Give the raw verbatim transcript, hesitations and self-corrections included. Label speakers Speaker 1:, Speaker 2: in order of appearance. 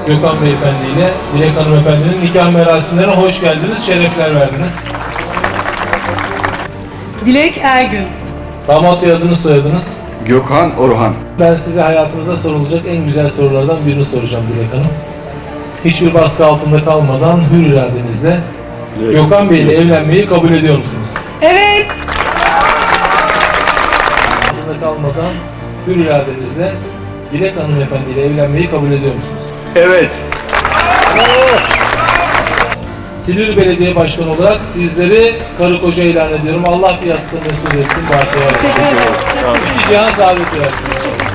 Speaker 1: Gökhan Beyefendi ile Dilek Hanımefendi'nin nikah merasimlerine hoş geldiniz, şerefler verdiniz.
Speaker 2: Dilek Ergün.
Speaker 1: Damat Bey, adınız soyadınız?
Speaker 3: Gökhan Orhan.
Speaker 1: Ben size hayatınıza sorulacak en güzel sorulardan birini soracağım Dilek Hanım. Hiçbir baskı altında kalmadan hür iradenizle evet. Gökhan Bey ile evlenmeyi kabul ediyor musunuz?
Speaker 2: Evet.
Speaker 1: Altında kalmadan hür iradenizle Dilek Hanımefendi ile evlenmeyi kabul ediyor musunuz?
Speaker 3: Evet.
Speaker 1: Silivri Belediye Başkanı olarak sizleri karı koca ilan ediyorum. Allah bir yastığı mesul etsin.
Speaker 2: Teşekkür ederiz.
Speaker 1: Bir cihan saadet versin.